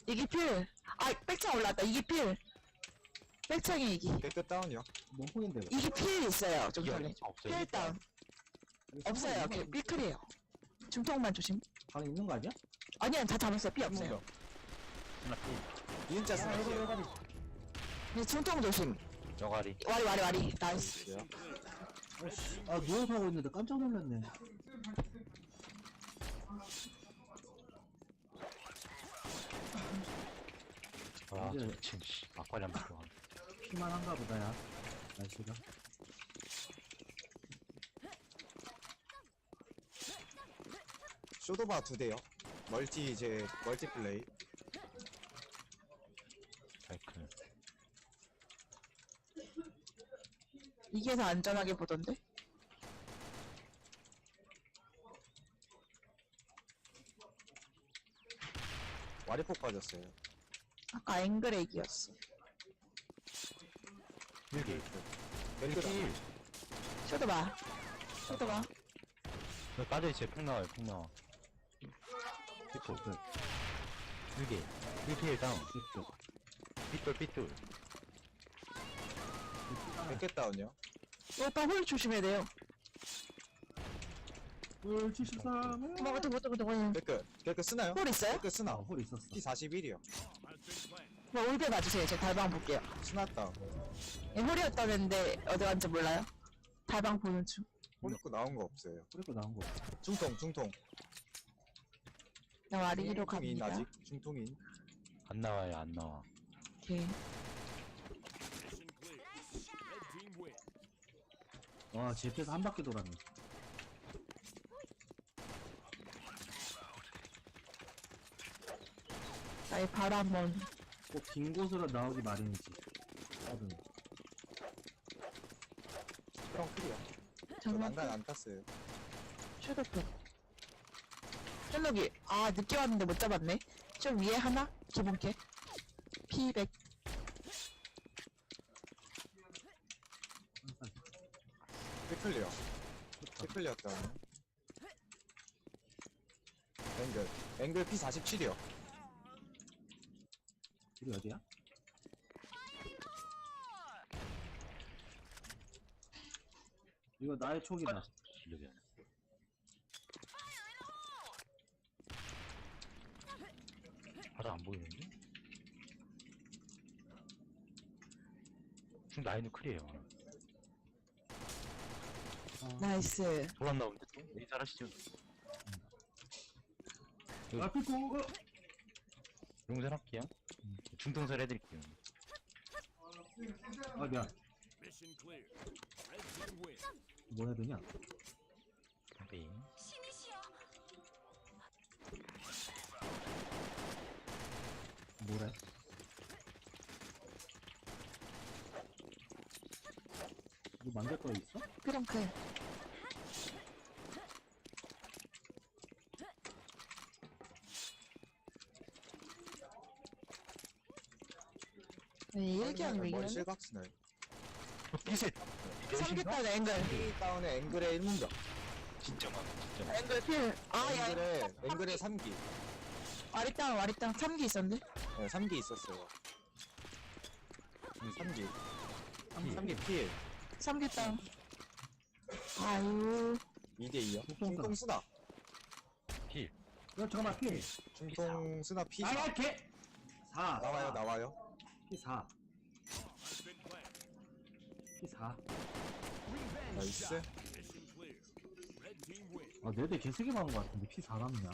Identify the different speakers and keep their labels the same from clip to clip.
Speaker 1: 이기 필. 아, 백창 올라왔다. 이기 필. 백창이 이기.
Speaker 2: 깨끗 다운이요.
Speaker 3: 뭔 폭인데?
Speaker 1: 이기 필 있어요. 좀
Speaker 4: 이게
Speaker 1: 전에.
Speaker 4: 없어요.
Speaker 1: 필 다운. 없어요. 삐클이에요. 중통만 조심.
Speaker 3: 방에 있는 거 아니야?
Speaker 1: 아니야, 다 잡았어요. 삐 없어요.
Speaker 4: 하나 피.
Speaker 2: 이은자 스나이요.
Speaker 1: 네, 중통 조심.
Speaker 4: 저가리.
Speaker 1: 와리. 나이스.
Speaker 3: 아, 누워서 하고 있는데 깜짝 놀랐네.
Speaker 4: 와,
Speaker 3: 이제-
Speaker 4: 미친, 씨. 아쿠아리움 들어가.
Speaker 3: 피만 한가 보다, 야. 날씨가.
Speaker 2: 쇼도바 2대요. 멀티 플레이.
Speaker 4: 사이클.
Speaker 1: 이게 더 안전하게 보던데?
Speaker 2: 와리폭 빠졌어요.
Speaker 1: 아까 앵그레이기였어.
Speaker 4: 일기.
Speaker 2: 멜그라.
Speaker 1: 쇼도 봐.
Speaker 4: 여기 빠져있어요. 팽 나와요, 팽 나와. 피포. 일기. 1피일 다운. 삐뚤.
Speaker 2: 깨끗 다운이요.
Speaker 1: 오빠 홀 조심해야 돼요.
Speaker 3: 홀 73.
Speaker 1: 뭐,
Speaker 2: 깨끗 쓰나요?
Speaker 1: 홀 있어요?
Speaker 2: 깨끗 쓰나.
Speaker 3: 홀 있었어.
Speaker 2: P41이요.
Speaker 1: 뭐, 올배 봐주세요. 제가 달방 볼게요.
Speaker 2: 스나 다운.
Speaker 1: 예, 홀이었다는데, 어디 갔는지 몰라요? 달방 보는 중.
Speaker 2: 홀 입고 나온 거 없어요.
Speaker 3: 그리고 나온 거.
Speaker 2: 중통.
Speaker 1: 나 와리기로
Speaker 2: 중통인
Speaker 1: 갑니다.
Speaker 2: 아직. 중통인.
Speaker 4: 안 나와요, 안 나와.
Speaker 1: 오케이.
Speaker 3: 와, GP에서 한 바퀴 돌았네.
Speaker 1: 나이 바로 한번.
Speaker 3: 꼭 긴 곳으로 나오기 마련이지. 다들.
Speaker 2: 형 클이요. 저
Speaker 1: 정말
Speaker 2: 난간 안 탔어요.
Speaker 1: 쇼도프. 셜록이. 아, 늦게 왔는데 못 잡았네. 좀 위에 하나? 기본캐. P100.
Speaker 2: 피클리어. 피클리어 다운. 앵글 P47이요.
Speaker 3: 우리 어디야? 이거 나의 촉이다.
Speaker 4: 실력이 아니야. 바로 안 보이는데? 지금 라인은 클이에요.
Speaker 1: 나이스.
Speaker 4: 돌안 나오는데 또? 이 잘하시죠?
Speaker 3: 아, 피고!
Speaker 4: 용선 할게요. 중통설 해드릴게요.
Speaker 3: 아, 미안.
Speaker 5: Mission clear. Red team win.
Speaker 3: 뭐 해야 되냐?
Speaker 4: 네.
Speaker 3: 뭐래? 이거 만들 거 있어?
Speaker 1: 크렁크. 네, 일기한
Speaker 2: 머리
Speaker 1: 위기는
Speaker 2: 실각 스나요.
Speaker 4: 피셋!
Speaker 1: 삼겹살 앵글.
Speaker 2: P 다운에 앵글의 1문격.
Speaker 4: 진짜 많아, 진짜 많아.
Speaker 1: 앵글 필. 아, 야.
Speaker 2: 앵글의 3기.
Speaker 1: 와리땅 3기 있었는데?
Speaker 2: 네, 3기 있었어요. 3기. 3기 필.
Speaker 1: 삼겹땅. 아유.
Speaker 2: 2대2요.
Speaker 3: 중통
Speaker 2: 중통 스나.
Speaker 4: 필.
Speaker 3: 야, 잠깐만, 피!
Speaker 2: 중통 스나 P4.
Speaker 3: 아, 개! 4.
Speaker 2: 나와요.
Speaker 3: P4.
Speaker 5: Has been planned.
Speaker 3: P4.
Speaker 2: 나이스.
Speaker 5: Mission clear. Red team win.
Speaker 3: 아, 4대 개세개 막은 거 같은데, P4 남냐?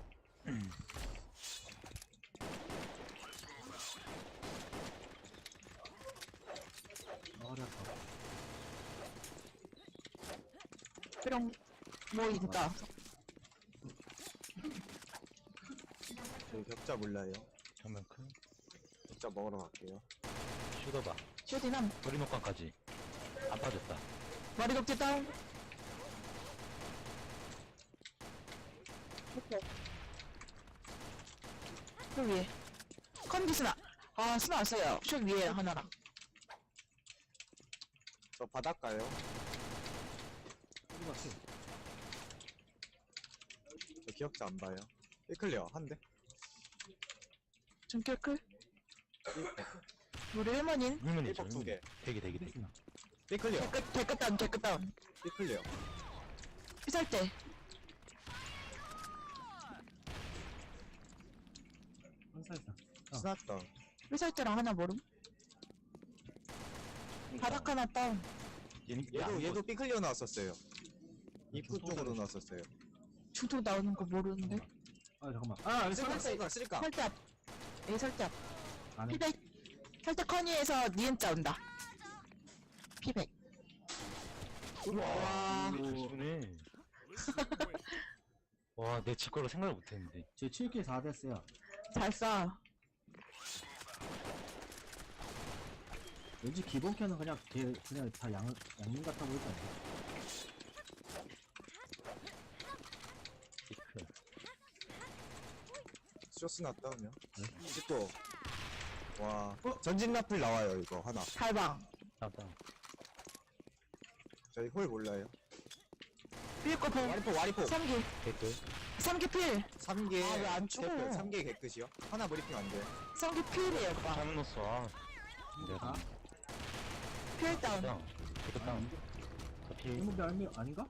Speaker 3: 어렵다.
Speaker 1: 그럼, 뭐, 있다.
Speaker 2: 저희 격자 몰라요.
Speaker 4: 정면 큰.
Speaker 2: 격자 먹으러 갈게요.
Speaker 4: 슈더바.
Speaker 1: 쇼디남.
Speaker 4: 머리 녹광까지. 안 빠졌다.
Speaker 1: 머리 독지 다운. 그 위에. 컨디 스나. 아, 스나 왔어요. 쇼 위에 하나랑.
Speaker 2: 저 바닷가요. 저 기억자 안 봐요. 1클리어 한 대.
Speaker 1: 중결클. 우리 1번인.
Speaker 4: 힐문이죠.
Speaker 2: 1번 2개.
Speaker 4: 대기.
Speaker 3: 삐스나.
Speaker 2: 삐클리어.
Speaker 1: 개끝다운, 개끝다운.
Speaker 2: 삐클리어.
Speaker 1: 피살때.
Speaker 3: 한살상.
Speaker 2: 스났다.
Speaker 1: 피살때랑 하나 모름. 바닥 하나 다운.
Speaker 2: 얘도 삐클리어 나왔었어요. 입구 쪽으로 나왔었어요.
Speaker 1: 중통 나오는 거 모르는데.
Speaker 3: 아 잠깐만. 아 여기
Speaker 2: 쓸까?
Speaker 1: 설대 앞. A 설대 앞.
Speaker 3: 안에.
Speaker 1: 피백. 설대 커니에서 니은자 온다. 피백. 와.
Speaker 4: 조심해.
Speaker 5: Listen and win.
Speaker 4: 와, 내 직거로 생각을 못했는데.
Speaker 3: 제 7킬 4됐어요.
Speaker 1: 잘 쏴.
Speaker 3: 왠지 기본 캔은 그냥 다 양님 같아 보이지 않나?
Speaker 4: 피클.
Speaker 2: 쇼스 났다면. 또. 와. 전진 라플 나와요 이거 하나.
Speaker 1: 달방.
Speaker 4: 다운.
Speaker 2: 저희 홀 몰라요.
Speaker 1: 삐고 보.
Speaker 2: 와리포.
Speaker 1: 3기.
Speaker 4: 개꿀.
Speaker 1: 3기 필.
Speaker 2: 3개.
Speaker 1: 아, 왜안 죽어?
Speaker 2: 3개 개끝이요? 하나 브리핑 안 돼.
Speaker 1: 3기 필이에요, 오빠.
Speaker 4: 잘못 넣었어. 아. 내가
Speaker 3: 아?
Speaker 1: 필 다운.
Speaker 4: 다운. 개꿀 다운. 저 필.
Speaker 3: 이모비 아닌가?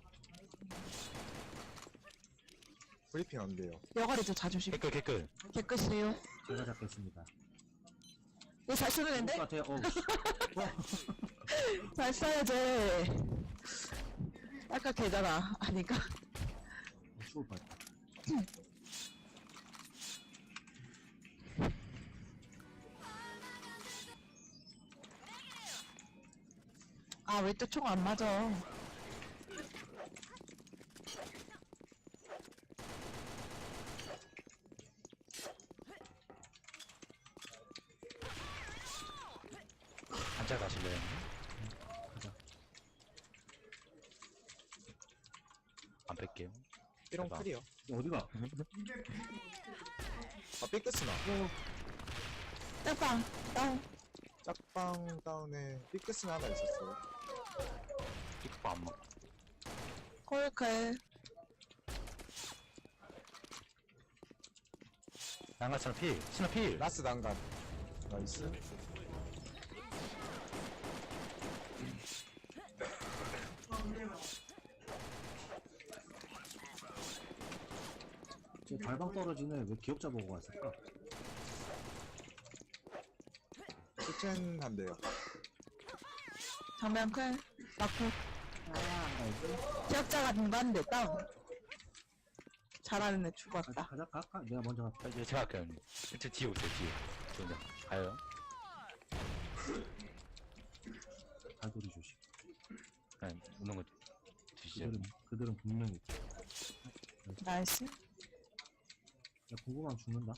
Speaker 2: 브리핑 안 돼요.
Speaker 1: 여가리도 자존심.
Speaker 4: 개꿀.
Speaker 1: 개끝이에요.
Speaker 3: 제가 잡겠습니다.
Speaker 1: 이거 잘 쓰는 앤데?
Speaker 3: 같아요.
Speaker 1: 잘 써야지. 아까 걔잖아. 아닌가?
Speaker 3: 죽을 뻔했다.
Speaker 1: 아, 왜 또 총 안 맞아?
Speaker 4: 한자 가실래요?
Speaker 3: 가자.
Speaker 4: 안 뺄게요.
Speaker 2: 삐롱
Speaker 4: 대박.
Speaker 2: 클리어.
Speaker 3: 어디가?
Speaker 2: 아 삐끗이나.
Speaker 1: 짝방. 다운.
Speaker 2: 짝방 다운에 삐끗이나 하나 있었어요.
Speaker 4: 피크 안 먹.
Speaker 1: 콜클.
Speaker 4: 난가처럼 필. 신호 필.
Speaker 2: 라스 난간. 나이스.
Speaker 3: 제 발방 떨어지네. 왜 기억자 보고 왔을까?
Speaker 2: 키첸 한대요.
Speaker 1: 정면 클. 마크.
Speaker 3: 나이스.
Speaker 1: 기억자가 등반대 다운. 잘하는 애 죽었다.
Speaker 3: 가자. 내가 먼저 갈게.
Speaker 4: 이제 제가 할게요. 형님. 일단 뒤에 오세요. 뒤에. 저 그냥 가요.
Speaker 3: 갈고리 조심.
Speaker 4: 그냥 오는 거 드시죠.
Speaker 3: 그들은 분명히 있지.
Speaker 1: 나이스.
Speaker 3: 야, 궁금하면 죽는다.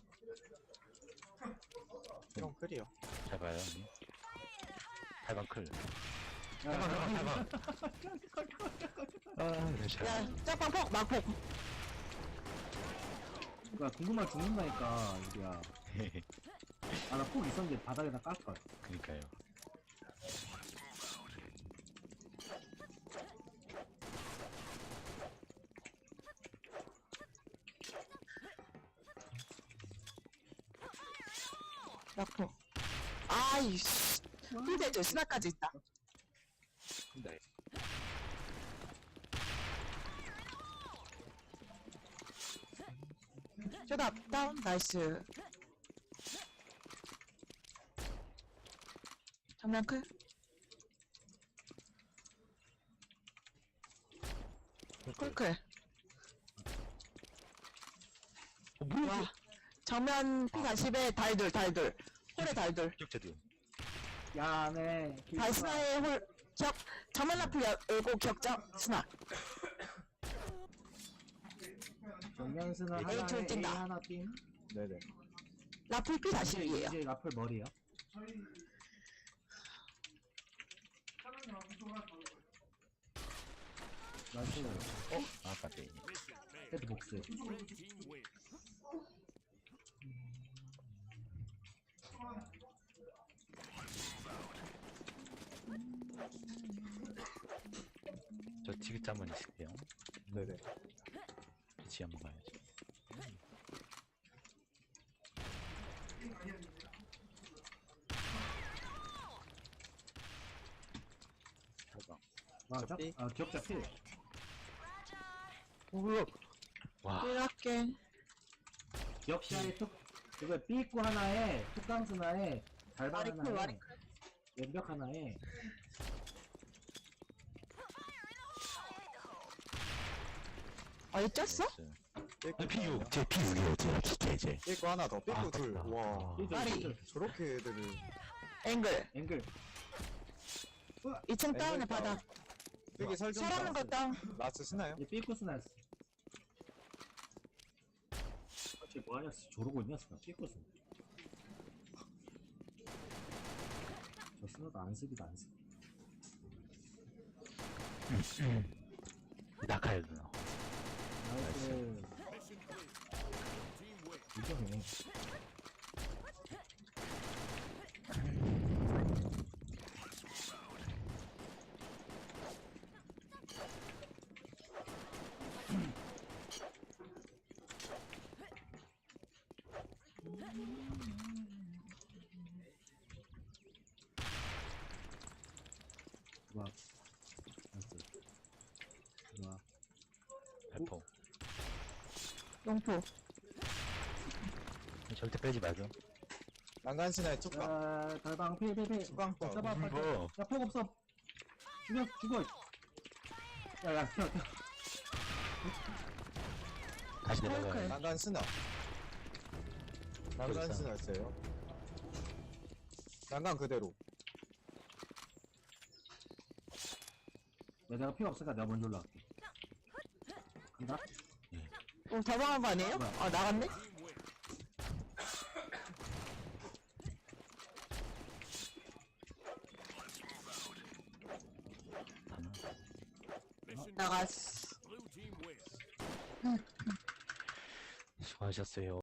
Speaker 2: 삐롱 클리어.
Speaker 4: 잘 봐요. 형님. 8번 클.
Speaker 3: 야,
Speaker 4: 8번. 아, 네, 잘.
Speaker 1: 야, 짝방 폭. 막폭.
Speaker 3: 그니까 궁금하면 죽는다니까, 이게야. 아, 나 폭 있었는데 바닥에다 깔걸.
Speaker 4: 그니까요.
Speaker 1: 막폭. 아이씨. 필대죠. 스나까지 있다.
Speaker 4: 네.
Speaker 1: 쇼다 다운. 나이스. 정면 클. 콜클. 와. 정면 P40에 달돌. 홀에 달돌.
Speaker 4: 기억자들.
Speaker 3: 야, 네.
Speaker 1: 달스나의 홀. 정면 라플 열고 격장 스나.
Speaker 3: 정면스는
Speaker 4: A
Speaker 3: 하나에
Speaker 1: 둘
Speaker 3: A
Speaker 1: 뛴다.
Speaker 3: 하나 뛴.
Speaker 2: 네네.
Speaker 1: 라플 P40이에요.
Speaker 3: 이제 라플 머리요. 나이스.
Speaker 4: 아, 까비.
Speaker 5: Mission failed.
Speaker 3: 헤드 복스.
Speaker 5: Red team wins.
Speaker 4: 저 티켓 한번 있을게요.
Speaker 2: 네네.
Speaker 4: 같이 한번 가야지.
Speaker 3: 아,
Speaker 2: 삐.
Speaker 3: 기억자 필.
Speaker 4: 와,
Speaker 1: 삐랄게.
Speaker 3: 기억자에 툭, 그거 삐 있고 하나에, 툭강스 하나에, 달방
Speaker 1: 와리클,
Speaker 3: 하나에,
Speaker 1: 와리클.
Speaker 3: 왼벽 하나에,
Speaker 1: 어디 쪘어?
Speaker 2: 삐꾸
Speaker 4: P6, 제 P6이에요, 제.
Speaker 2: 삐꾸 하나 더. 삐꾸 둘.
Speaker 4: 아깝다.
Speaker 2: 와.
Speaker 3: 삐절,
Speaker 1: 와리.
Speaker 3: 삐절,
Speaker 2: 저렇게 애들을.
Speaker 1: 앵글.
Speaker 3: 앵글.
Speaker 1: 2층 다운에
Speaker 2: 앵글
Speaker 1: 바닥.
Speaker 2: 삐기 설정.
Speaker 1: 사람은 거 다운.
Speaker 2: 라스 쓰나요?
Speaker 3: 얘 삐꾸스 나였어. 쟤 뭐하냐, 저러고 있냐, 스나. 삐꾸스. 저 스나도 안쓰기도 안쓰기.
Speaker 4: 낙하요, 누나.
Speaker 3: 나이스.
Speaker 5: Mission clear. Team win.
Speaker 3: 이정해. 좋아. 나이스. 좋아.
Speaker 4: 발포.
Speaker 1: 용포.
Speaker 4: 절대 빼지 말죠.
Speaker 2: 난간 스나의 툭방.
Speaker 3: 야, 달방 필.
Speaker 2: 툭방 떠.
Speaker 3: 잡아, 빨리.
Speaker 4: 뭐.
Speaker 3: 야, 폭 없어. 죽어. 야, 튀어.
Speaker 4: 다시 내려가요.
Speaker 1: 헐크.
Speaker 2: 난간 스나. 난간 스나였어요. 난간 그대로.
Speaker 3: 야, 내가 피가 없으니까 내가 먼저 올라갈게. 간다?
Speaker 1: 다방한 거 아니에요? 아, 나갔네?
Speaker 5: Team win. Mission
Speaker 1: 나갔어.
Speaker 5: blue team win.
Speaker 4: 수고하셨어요.